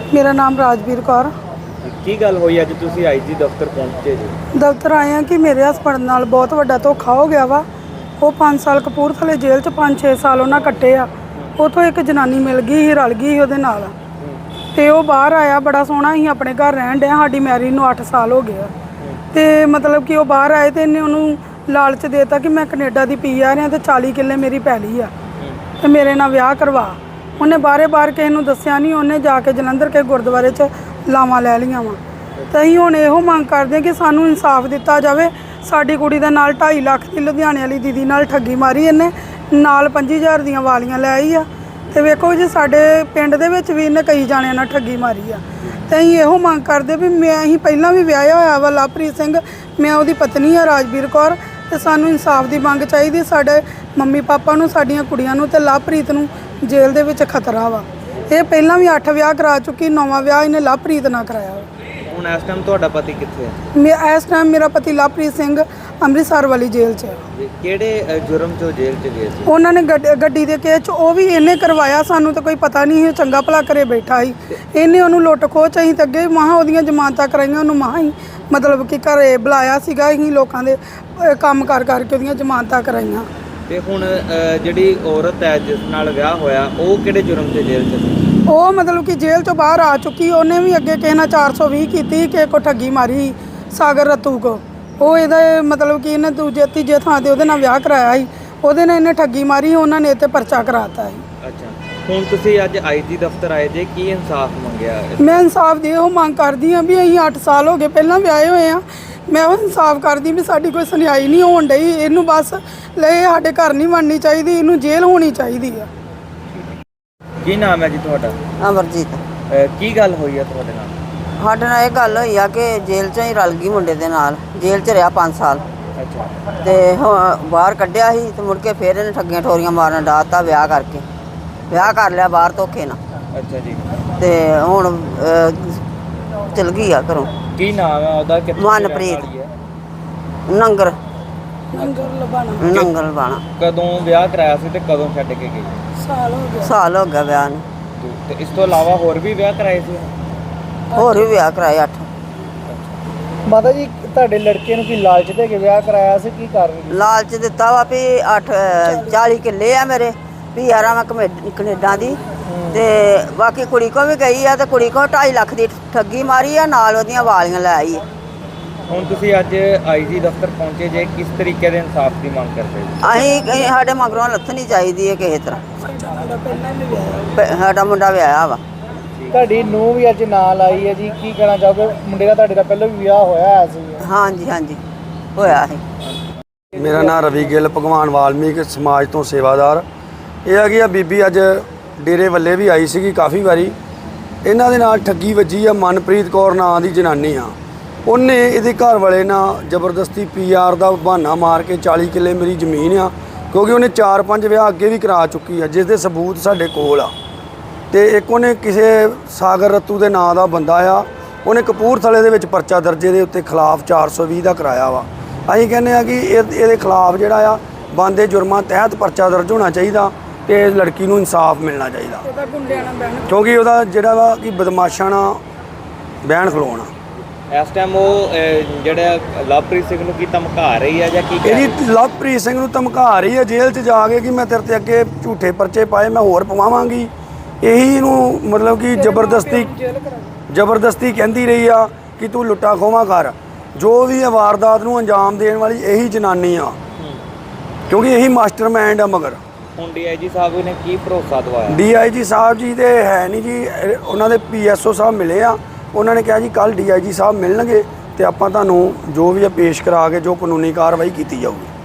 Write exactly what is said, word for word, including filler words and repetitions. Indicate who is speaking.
Speaker 1: मेरा नाम राजवीर कौर।
Speaker 2: ਕੀ ਗੱਲ ਹੋਈ ਅੱਜ ਤੁਸੀਂ ਆਈਜੀ ਦਫ਼ਤਰ ਪਹੁੰਚੇ ਜੀ?
Speaker 1: ਦਫ਼ਤਰ ਆਏ ਆ ਕਿ ਮੇਰੇ ਹਸਬੰਡ ਨਾਲ ਬਹੁਤ ਵੱਡਾ ਧੋਖਾ ਹੋ ਗਿਆ ਵਾ। ਉਹ ਪੰਜ ਸਾਲ ਕਪੂਰਥਲੇ ਜੇਲ੍ਹ 'ਚ ਪੰਜ ਛੇ ਸਾਲ ਉਹਨਾਂ ਕੱਟੇ ਆ। ਉੱਥੋਂ ਇੱਕ ਜਨਾਨੀ ਮਿਲ ਗਈ ਸੀ, ਰਲ ਗਈ ਸੀ ਉਹਦੇ ਨਾਲ, ਤੇ ਉਹ ਬਾਹਰ ਆਇਆ। ਬੜਾ ਸੋਹਣਾ ਸੀ, ਆਪਣੇ ਘਰ ਰਹਿਣ ਡਿਆ। ਸਾਡੀ ਮੈਰਿਜ ਨੂੰ ਅੱਠ ਸਾਲ ਹੋ ਗਏ ਆ। ਤੇ ਮਤਲਬ ਕਿ ਉਹ ਬਾਹਰ ਆਏ ਤੇ ਇਹਨੇ ਉਹਨੂੰ ਲਾਲਚ ਦੇਤਾ ਕਿ ਮੈਂ ਕੈਨੇਡਾ ਦੀ ਪੀ ਆ ਰਿਹਾ ਤੇ ਚਾਲੀ ਕਿੱਲੇ ਮੇਰੀ ਪੈਲੀ ਆ ਤੇ ਮੇਰੇ ਨਾਲ ਵਿਆਹ ਕਰਵਾ। ਉਹਨੇ ਬਾਰੇ ਬਾਰ ਕਿਸੇ ਨੂੰ ਦੱਸਿਆ ਨਹੀਂ। ਉਹਨੇ ਜਾ ਕੇ ਜਲੰਧਰ ਕੇ ਗੁਰਦੁਆਰੇ 'ਚ ਲਾਵਾਂ ਲੈ ਲਈਆਂ ਵਾ। ਤੇ ਅਸੀਂ ਹੁਣ ਇਹੋ ਮੰਗ ਕਰਦੇ ਹਾਂ ਕਿ ਸਾਨੂੰ ਇਨਸਾਫ ਦਿੱਤਾ ਜਾਵੇ। ਸਾਡੀ ਕੁੜੀ ਦੇ ਨਾਲ ਢਾਈ ਲੱਖ ਦੀ ਲੁਧਿਆਣੇ ਵਾਲੀ ਦੀਦੀ ਨਾਲ ਠੱਗੀ ਮਾਰੀ ਇਹਨੇ, ਨਾਲ ਪੰਜੀ ਹਜ਼ਾਰ ਦੀਆਂ ਵਾਲੀਆਂ ਲੈ ਆਈ ਆ। ਤੇ ਵੇਖੋ ਜੀ, ਸਾਡੇ ਪਿੰਡ ਦੇ ਵਿੱਚ ਵੀ ਇਹਨੇ ਕਈ ਜਾਣਿਆਂ ਨਾਲ ਠੱਗੀ ਮਾਰੀ ਆ। ਤੇ ਅਸੀਂ ਇਹੋ ਮੰਗ ਕਰਦੇ ਵੀ ਮੈਂ ਅਸੀਂ ਪਹਿਲਾਂ ਵੀ ਵਿਆਹਿਆ ਹੋਇਆ ਵਾ ਲਵਪ੍ਰੀਤ ਸਿੰਘ, ਮੈਂ ਉਹਦੀ ਪਤਨੀ ਆ ਰਾਜਵੀਰ ਕੌਰ। ਤੇ ਸਾਨੂੰ ਇਨਸਾਫ ਦੀ ਮੰਗ ਚਾਹੀਦੀ। ਸਾਡੇ ਮੰਮੀ ਪਾਪਾ ਨੂੰ, ਸਾਡੀਆਂ ਕੁੜੀਆਂ ਨੂੰ ਤੇ ਲਵਪ੍ਰੀਤ ਨੂੰ ਜੇਲ੍ਹ ਦੇ ਵਿੱਚ ਖਤਰਾ ਵਾ। ਇਹ ਪਹਿਲਾਂ ਵੀ ਅੱਠ ਵਿਆਹ ਕਰਾ ਚੁੱਕੀ, ਨੌਵਾਂ ਵਿਆਹ ਇਹਨੇ ਲਵਪ੍ਰੀਤ ਨਾਲ ਕਰਾਇਆ ਵਾ।
Speaker 2: ਹੁਣ ਇਸ ਟਾਈਮ ਤੁਹਾਡਾ ਪਤੀ ਕਿੱਥੇ ਹੈ?
Speaker 1: ਮੈਂ ਇਸ ਟਾਈਮ ਮੇਰਾ ਪਤੀ ਲਵਪ੍ਰੀਤ ਸਿੰਘ ਅੰਮ੍ਰਿਤਸਰ ਵਾਲੀ ਜੇਲ੍ਹ 'ਚ ਹੈ।
Speaker 2: ਕਿਹੜੇ ਜੁਰਮ 'ਚੋਂ ਜੇਲ੍ਹ 'ਚ ਗਏ ਸੀ?
Speaker 1: ਉਹਨਾਂ ਨੇ ਗੱਡੀ ਦੇ ਕੇਸ 'ਚ, ਉਹ ਵੀ ਇਹਨੇ ਕਰਵਾਇਆ। ਸਾਨੂੰ ਤਾਂ ਕੋਈ ਪਤਾ ਨਹੀਂ ਸੀ, ਚੰਗਾ ਭਲਾ ਘਰੇ ਬੈਠਾ ਸੀ। ਇਹਨੇ ਉਹਨੂੰ ਲੁੱਟ ਖੋਹ 'ਚ ਅਸੀਂ ਤਾਂ ਅੱਗੇ ਮਹਾਂ ਉਹਦੀਆਂ ਜ਼ਮਾਨਤਾਂ ਕਰਾਈਆਂ। ਉਹਨੂੰ ਮਹਾਂ ਹੀ ਮਤਲਬ ਕਿ ਘਰੇ ਬੁਲਾਇਆ ਸੀਗਾ। ਅਸੀਂ ਲੋਕਾਂ ਦੇ ਕੰਮ ਕਰ ਕਰਕੇ ਉਹਦੀਆਂ ਜ਼ਮਾਨਤਾਂ ਕਰਾਈਆਂ।
Speaker 2: ਤੇ ਹੁਣ ਜਿਹੜੀ ਔਰਤ ਹੈ ਜਿਸ ਨਾਲ ਵਿਆਹ ਹੋਇਆ, ਉਹ ਕਿਹੜੇ ਜੁਰਮ 'ਚ ਜੇਲ੍ਹ 'ਚ ਸੀ?
Speaker 1: ਉਹ ਮਤਲਬ ਕਿ ਜੇਲ੍ਹ 'ਚੋਂ ਬਾਹਰ ਆ ਚੁੱਕੀ। ਉਹਨੇ ਵੀ ਅੱਗੇ ਕਿਸੇ ਨਾਲ ਚਾਰ ਸੌ ਵੀਹ ਕੀਤੀ, ਕਿਸੇ ਕੋ ਠੱਗੀ ਮਾਰੀ, ਸਾਗਰ ਰਤੂ ਕੋ। ਉਹ ਇਹਦਾ ਮਤਲਬ ਕਿ ਇਹਨੇ ਦੂਜੇ ਤੀਜੇ ਥਾਂ 'ਤੇ ਉਹਦੇ ਨਾਲ ਵਿਆਹ ਕਰਾਇਆ ਸੀ। ਉਹਦੇ ਨਾਲ ਇਹਨੇ ਠੱਗੀ ਮਾਰੀ, ਉਹਨਾਂ ਨੇ ਇਹ 'ਤੇ ਪਰਚਾ ਕਰਾਤਾ ਸੀ।
Speaker 2: ਅੱਛਾ, ਹੁਣ ਤੁਸੀਂ ਅੱਜ ਆਈਜੀ ਦਫ਼ਤਰ ਆਏ ਜੇ, ਕੀ ਇਨਸਾਫ ਮੰਗਿਆ?
Speaker 1: ਮੈਂ ਇਨਸਾਫ ਦੀ ਉਹ ਮੰਗ ਕਰਦੀ ਹਾਂ ਵੀ ਅਸੀਂ ਅੱਠ ਸਾਲ ਹੋ ਗਏ ਪਹਿਲਾਂ ਵਿਆਹੇ ਹੋਏ ਆ। ਮੈਂ ਉਹ ਇਨਸਾਫ ਕਰਦੀ ਵੀ ਸਾਡੀ ਕੋਈ ਸੁਣਾਈ ਨਹੀਂ ਹੋਣ ਡਈ। ਇਹਨੂੰ ਬਸ ਲੈ ਸਾਡੇ ਘਰ ਨਹੀਂ ਬਣਨੀ ਚਾਹੀਦੀ, ਇਹਨੂੰ ਜੇਲ੍ਹ ਹੋਣੀ ਚਾਹੀਦੀ ਆ।
Speaker 2: ਕੀ ਨਾਮ ਹੈ ਜੀ ਤੁਹਾਡਾ?
Speaker 3: ਅਮਰਜੀਤ।
Speaker 2: ਕੀ ਗੱਲ ਹੋਈ ਹੈ ਤੁਹਾਡੇ ਨਾਲ?
Speaker 3: ਸਾਡੇ ਨਾਲ ਇਹ ਗੱਲ ਹੋਈ ਆ ਕਿ ਜੇਲ੍ਹ 'ਚੋਂ ਹੀ ਰਲ ਗਈ ਮੁੰਡੇ ਦੇ ਨਾਲ। ਜੇਲ੍ਹ 'ਚ ਰਿਹਾ ਪੰਜ ਸਾਲ
Speaker 2: ਅੱਛਾ।
Speaker 3: ਤੇ ਹੁਣ ਬਾਹਰ ਕੱਢਿਆ ਸੀ ਤੇ ਮੁੜ ਕੇ ਫਿਰ ਇਹਨੇ ਠੱਗੀਆਂ ਠੋਰੀਆਂ ਮਾਰਨ ਡਾਤਾ। ਵਿਆਹ ਕਰਕੇ ਵਿਆਹ ਕਰ ਲਿਆ ਬਾਹਰ ਧੋਖੇ ਨਾਲ।
Speaker 2: ਅੱਛਾ ਜੀ।
Speaker 3: ਤੇ ਹੁਣ ਚਲ ਗਈ ਆ ਘਰੋਂ।
Speaker 2: ਕੀ ਨਾਮ ਹੈ ਉਹਦਾ?
Speaker 3: ਮਨਪ੍ਰੀਤ। ਨੰਗਰ
Speaker 1: ਨੰਗਰ ਲਬਾਣਾ।
Speaker 3: ਨੰਗਰ ਲਬਾਣਾ।
Speaker 2: ਕਦੋਂ ਵਿਆਹ ਕਰਾਇਆ ਸੀ ਤੇ ਕਦੋਂ ਛੱਡ ਕੇ ਗਈ?
Speaker 1: ਸਾਲ ਹੋ ਗਿਆ।
Speaker 3: ਸਾਲ ਹੋ ਗਿਆ ਵਿਆਹ ਨੂੰ।
Speaker 2: ਤੇ ਇਸ ਤੋਂ ਇਲਾਵਾ ਹੋਰ ਵੀ ਵਿਆਹ ਕਰਾਏ ਸੀ?
Speaker 3: ਹੋਰ ਵੀ ਵਿਆਹ ਕਰਾਏ ਅੱਠ।
Speaker 4: ਮਾਤਾ ਜੀ, ਤੁਹਾਡੇ ਲੜਕੇ ਨੂੰ ਕੀ ਲਾਲਚ ਦੇ ਕੇ ਵਿਆਹ ਕਰਾਇਆ ਸੀ? ਕੀ ਕਾਰਨ?
Speaker 3: ਲਾਲਚ ਦਿੱਤਾ ਵਾ ਵੀ ਅੱਠ ਚਾਲੀ ਕਿੱਲੇ ਆ ਮੇਰੇ, ਵੀ ਯਾਰਾਂ ਮੈਂ ਕਨੇਡਾ ਦੀ। ਤੇ ਬਾਕੀ ਕੁੜੀ ਕੋ ਵੀ ਗਈ ਆ ਤੇ ਕੁੜੀ ਕੋ ਢਾਈ ਲੱਖ ਦੀ ਠੱਗੀ ਮਾਰੀ ਆ, ਨਾਲ ਉਹਦੀਆਂ ਵਾਲੀਆਂ ਲੈ ਆਈ।
Speaker 2: ਹੁਣ ਤੁਸੀਂ ਅੱਜ ਆਈਜੀ ਦਫ਼ਤਰ ਪਹੁੰਚੇ ਜੇ, ਕਿਸ ਤਰੀਕੇ ਦੇ ਇਨਸਾਫ ਦੀ ਮੰਗ ਕਰਦੇ ਹੋ?
Speaker 3: ਅਸੀਂ ਸਾਡੇ ਮਗਰੋਂ ਲੱਥਣੀ ਚਾਹੀਦੀ ਹੈ ਕਿਸੇ ਤਰ੍ਹਾਂ। ਸਾਡਾ ਮੁੰਡਾ ਵਿਆਹਿਆ ਵਾ।
Speaker 4: ਤੁਹਾਡੀ ਨੂੰਹ ਵੀ ਅੱਜ ਨਾਲ ਆਈ ਹੈ ਜੀ, ਕੀ ਕਹਿਣਾ ਚਾਹੋਗੇ? ਮੁੰਡੇ ਦਾ ਤੁਹਾਡੇ ਦਾ ਪਹਿਲਾਂ ਵੀ ਵਿਆਹ ਹੋਇਆ ਸੀ?
Speaker 3: ਹਾਂਜੀ ਹਾਂਜੀ ਹੋਇਆ ਸੀ।
Speaker 5: ਮੇਰਾ ਨਾਮ ਰਵੀ ਗਿੱਲ, ਭਗਵਾਨ ਵਾਲਮੀਕ ਸਮਾਜ ਤੋਂ ਸੇਵਾਦਾਰ। ਇਹ ਹੈਗੀ ਆ ਬੀਬੀ ਅੱਜ ਡੇਰੇ ਵੱਲੇ ਵੀ ਆਈ ਸੀਗੀ ਕਾਫੀ ਵਾਰੀ। ਇਹਨਾਂ ਦੇ ਨਾਲ ਠੱਗੀ ਵੱਜੀ ਆ। ਮਨਪ੍ਰੀਤ ਕੌਰ ਨਾਂ ਦੀ ਜਨਾਨੀ ਆ। ਉਹਨੇ ਇਹਦੇ ਘਰ ਵਾਲੇ ਨਾਲ ਜ਼ਬਰਦਸਤੀ ਪੀ ਆਰ ਦਾ ਬਹਾਨਾ ਮਾਰ ਕੇ ਚਾਲੀ ਕਿੱਲੇ ਮੇਰੀ ਜ਼ਮੀਨ ਆ, ਕਿਉਂਕਿ ਉਹਨੇ ਚਾਰ ਪੰਜ ਵਿਆਹ ਅੱਗੇ ਵੀ ਕਰਾ ਚੁੱਕੀ ਆ, ਜਿਸ ਦੇ ਸਬੂਤ ਸਾਡੇ ਕੋਲ ਆ। ਤੇ ਇੱਕ ਉਹਨੇ ਕਿਸੇ ਸਾਗਰ ਰਤੂ ਦੇ ਨਾਂ ਦਾ ਬੰਦਾ ਆ, ਉਹਨੇ ਕਪੂਰਥਲੇ ਦੇ ਵਿੱਚ ਪਰਚਾ ਦਰਜੇ ਦੇ ਉੱਤੇ ਖਿਲਾਫ ਚਾਰ ਸੌ ਵੀਹ ਦਾ ਕਰਾਇਆ ਵਾ। ਅਸੀਂ ਕਹਿੰਦੇ ਆ ਕਿ ਇਹ ਇਹਦੇ ਖਿਲਾਫ ਜਿਹੜਾ ਆ ਬਣਦੇ ਜੁਰਮਾਂ ਤਹਿਤ ਪਰਚਾ ਦਰਜ ਹੋਣਾ ਚਾਹੀਦਾ ਤੇ ਇਸ ਲੜਕੀ ਨੂੰ ਇਨਸਾਫ ਮਿਲਣਾ ਚਾਹੀਦਾ, ਕਿਉਂਕਿ ਉਹਦਾ ਜਿਹੜਾ ਵਾ ਕਿ ਬਦਮਾਸ਼ਾਂ ਨਾਲ ਬਹਿਣ ਖਲੋਣਾ।
Speaker 2: ਇਸ ਟਾਈਮ ਉਹ ਜਿਹੜਾ ਲਵਪ੍ਰੀਤ ਸਿੰਘ ਨੂੰ ਕੀ ਧਮਕਾ ਰਹੀ ਹੈ ਜਾਂ ਕੀ?
Speaker 5: ਇਹਦੀ ਲਵਪ੍ਰੀਤ ਸਿੰਘ ਨੂੰ ਧਮਕਾ ਰਹੀ ਹੈ ਜੇਲ੍ਹ 'ਚ ਜਾ ਕੇ ਕਿ ਮੈਂ ਤੇਰੇ 'ਤੇ ਅੱਗੇ ਝੂਠੇ ਪਰਚੇ ਪਾਏ, ਮੈਂ ਹੋਰ ਪਵਾਵਾਂਗੀ। ਇਹੀ ਇਹਨੂੰ ਮਤਲਬ ਕਿ ਜ਼ਬਰਦਸਤੀ ਜ਼ਬਰਦਸਤੀ ਕਹਿੰਦੀ ਰਹੀ ਆ ਕਿ ਤੂੰ ਲੁੱਟਾ ਖੋਹਾਂ ਕਰ। ਜੋ ਵੀ ਇਹ ਵਾਰਦਾਤ ਨੂੰ ਅੰਜਾਮ ਦੇਣ ਵਾਲੀ ਇਹੀ ਜਨਾਨੀ ਆ, ਕਿਉਂਕਿ ਇਹੀ ਮਾਸਟਰਮਾਈਂਡ ਆ। ਮਗਰ
Speaker 2: ਹੁਣ ਡੀ ਆਈ ਜੀ ਸਾਹਿਬ ਨੇ ਕੀ ਭਰੋਸਾ ਦਵਾਇਆ?
Speaker 5: ਡੀ ਆਈ ਜੀ ਸਾਹਿਬ ਜੀ ਦੇ ਹੈ ਨਹੀਂ ਜੀ, ਉਹਨਾਂ ਦੇ ਪੀ ਐਸ ਓ ਸਾਹਿਬ ਮਿਲੇ ਆ। ਉਹਨਾਂ ਨੇ ਕਿਹਾ ਜੀ ਕੱਲ੍ਹ ਡੀ ਆਈ ਜੀ ਸਾਹਿਬ ਮਿਲਣਗੇ ਤੇ ਆਪਾਂ ਤੁਹਾਨੂੰ ਜੋ ਵੀ ਆ ਪੇਸ਼ ਕਰਾ ਕੇ ਜੋ ਕਾਨੂੰਨੀ ਕਾਰਵਾਈ ਕੀਤੀ ਜਾਊਗੀ।